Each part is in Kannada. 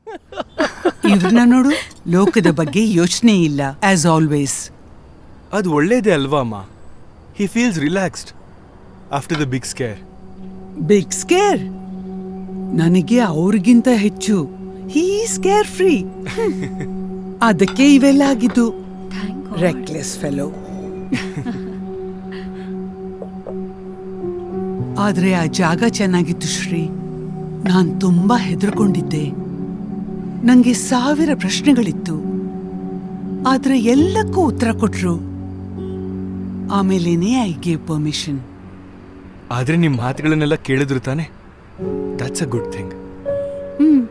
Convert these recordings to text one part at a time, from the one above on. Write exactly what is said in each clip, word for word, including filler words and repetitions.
ಇವ್ರನ್ನ ನೋಡು, ಲೋಕದ ಬಗ್ಗೆ ಯೋಚನೆ ಇಲ್ಲ ಆಸ್ ಆಲ್ವೇಸ್. ಅದು ಒಳ್ಳೇದೇ ಅಲ್ವಾ ಅಮ್ಮ? He feels relaxed after the big scare. Big scare? ನನಗೆ ಅವ್ರಿಗಿಂತ ಹೆಚ್ಚು ಹೀ ಸ್ಕೇರ್ ಫ್ರೀ. ಅದಕ್ಕೆ ಇವೆಲ್ಲ ಆಗಿದ್ದು. Reckless fellow. ಆದ್ರೆ ಆ ಜಾಗ ಚೆನ್ನಾಗಿತ್ತು ಶ್ರೀ. ನಾನ್ ತುಂಬಾ ಹೆದರ್ಕೊಂಡಿದ್ದೆ. ನಂಗೆ ಸಾವಿರ ಪ್ರಶ್ನೆಗಳಿತ್ತು, ಆದ್ರೆ ಎಲ್ಲಕ್ಕೂ ಉತ್ತರ ಕೊಟ್ರು. ಆಮೇಲೇನೆ ಐ ಗೇವ್ ಪರ್ಮಿಷನ್. ಆದ್ರೆ ನಿಮ್ ಮಾತುಗಳನ್ನೆಲ್ಲ ಕೇಳಿದ್ರು ತಾನೆ? That's a good thing. Hmm.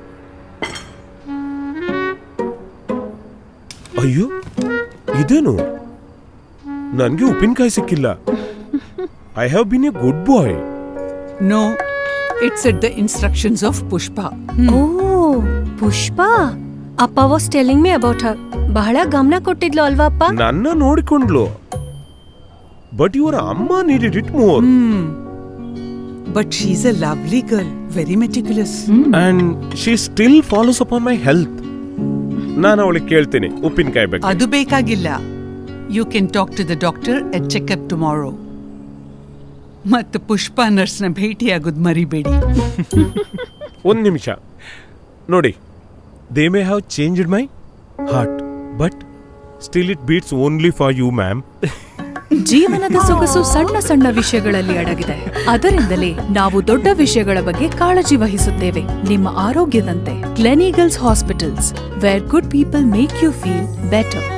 ಅಯ್ಯೋ, ಇದೇನು? ನನ್ಗೆ ಉಪ್ಪಿನಕಾಯಿ ಸಿಕ್ಕಿಲ್ಲ. I have been a good boy. No, it's at the instructions of Pushpa. Oh, Pushpa. ಅಪ್ಪ was telling me about her. ಬಹಳ ಗಮನ ಕೊಟ್ಟಿದ್ಲು ಅಲ್ವಾ ಅಪ್ಪ? ನನ್ನ ನೋಡಿಕೊಂಡ್ಲು. ಬಟ್ ಇವರ ಅಮ್ಮ needed it more. But she is a lovely girl, very meticulous. And she still follows upon my health. ನಾನು ಅವಳಿಗೆ ಕೇಳ್ತೀನಿ ಉಪ್ಪಿನಕಾಯಿ ಬಗ್ಗೆ. ಅದು ಬೇಕಾಗಿಲ್ಲ. You can talk to the doctor at checkup tomorrow. ಮತ್ತು ಪುಷ್ಪ ನರ್ಸ್ನ ಭೇಟಿಯಾಗೋದು ಮರಿಬೇಡಿ. ಒಂದ್ ನಿಮಿಷ ನೋಡಿ. They may have changed my heart, but still it beats only for you ma'am. ಜೀವನದ ಸೊಗಸು ಸಣ್ಣ ಸಣ್ಣ ವಿಷಯಗಳಲ್ಲಿ ಅಡಗಿದೆ. ಅದರಿಂದಲೇ ನಾವು ದೊಡ್ಡ ವಿಷಯಗಳ ಬಗ್ಗೆ ಕಾಳಜಿ ವಹಿಸುತ್ತೇವೆ. ನಿಮ್ಮ ಆರೋಗ್ಯದಂತೆ Gleneagles hospitals, where good people make you feel better.